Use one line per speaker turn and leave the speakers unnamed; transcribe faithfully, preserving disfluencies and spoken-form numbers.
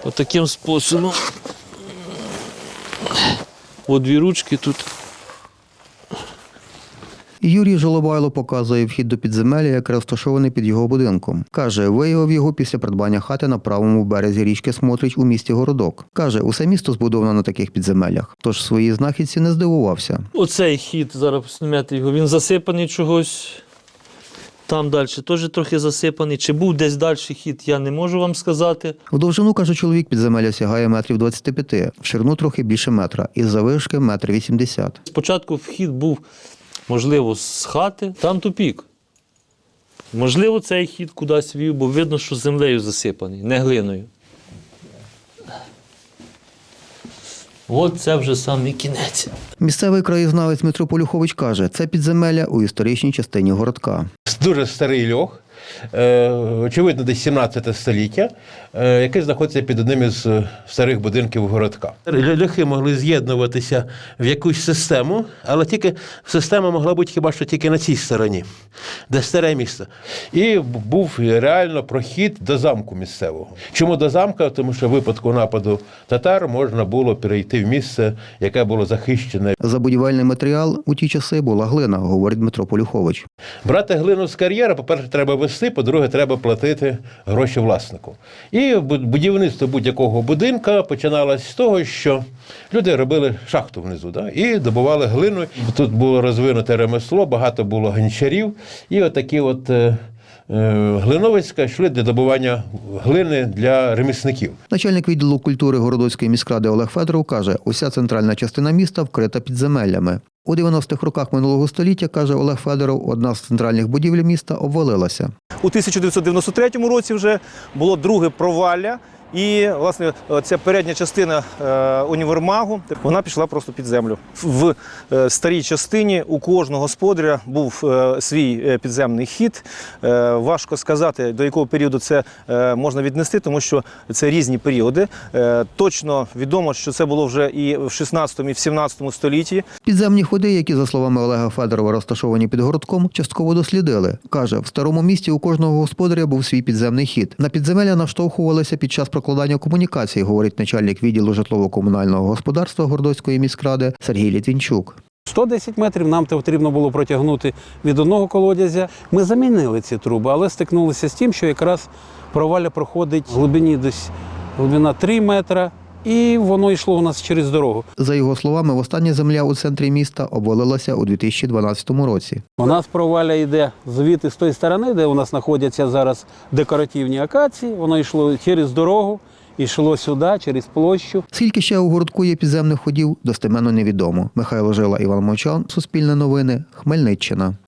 Отаким способом. О, дві ручки тут.
Юрій Жолобайло показує вхід до підземелля, яке розташований під його будинком. Каже, виявив його після придбання хати на правому березі річки Смотрич у місті Городок. Каже, усе місто збудовано на таких підземеллях, тож своїй знахідці не здивувався.
Оцей хід, зараз знімати його, він засипаний чогось. Там далі теж трохи засипаний. Чи був десь далі хід, я не можу вам сказати.
В довжину, каже чоловік, підземелля сягає метрів двадцять п'ять, в ширину трохи більше метра, із завишки метр вісімдесят.
Спочатку вхід був, можливо, з хати, там тупік. Можливо, цей хід кудись вів, бо видно, що землею засипаний, не глиною. От це вже самий кінець.
Місцевий краєзнавець Дмитро Полюхович каже, це підземелля у історичній частині Городка.
Дуже старий льох, очевидно, десь сімнадцяте століття, який знаходиться під одним із старих будинків Городка. Льохи могли з'єднуватися в якусь систему, але тільки система могла бути хіба що тільки на цій стороні, де старе місто. І був реально прохід до замку місцевого. Чому до замка? Тому що в випадку нападу татар можна було перейти в місце, яке було захищене.
За будівельний матеріал у ті часи була глина, говорить Дмитро Полюхович.
Брати глину з кар'єра, по-перше, треба вести, по-друге, треба платити гроші власнику. І будівництво будь-якого будинка починалось з того, що люди робили шахту внизу, да, і добували глину. Тут було розвинуте ремесло, багато було гончарів, і отакі от е, е, глиновицька йшли для добування глини для ремісників.
Начальник відділу культури Городоцької міськради Олег Федоров каже, уся центральна частина міста вкрита підземеллями. У дев'яностих роках минулого століття, каже Олег Федоров, одна з центральних будівель міста обвалилася.
У тисяча дев'ятсот дев'яносто третьому році вже було друге провалля, і, власне, ця передня частина е, універмагу, вона пішла просто під землю. В е, старій частині у кожного господаря був е, свій підземний хід. Е, важко сказати, до якого періоду це е, можна віднести, тому що це різні періоди. Е, точно відомо, що це було вже і в шістнадцятому, і в сімнадцятому столітті.
Підземні ходи, які, за словами Олега Федорова, розташовані під Городком, частково дослідили. Каже, в старому місті у кожного господаря був свій підземний хід. На підземелля наштовхувалися під час прокладання комунікацій, говорить начальник відділу житлово-комунального господарства Городоцької міськради Сергій Літвінчук.
сто десять метрів нам потрібно було протягнути від одного колодязя. Ми замінили ці труби, але стикнулися з тим, що якраз провалля проходить в глибині десь глибина три метри, і воно йшло у нас через дорогу.
За його словами, востаннє земля у центрі міста обвалилася у дві тисячі дванадцятому році.
У нас провалля йде звідти з тої сторони, де у нас знаходяться зараз декоративні акації, воно йшло через дорогу, йшло сюди, через площу.
Скільки ще у Городку є підземних ходів, достеменно невідомо. Михайло Жила, Іван Мовчан, Суспільне новини, Хмельниччина.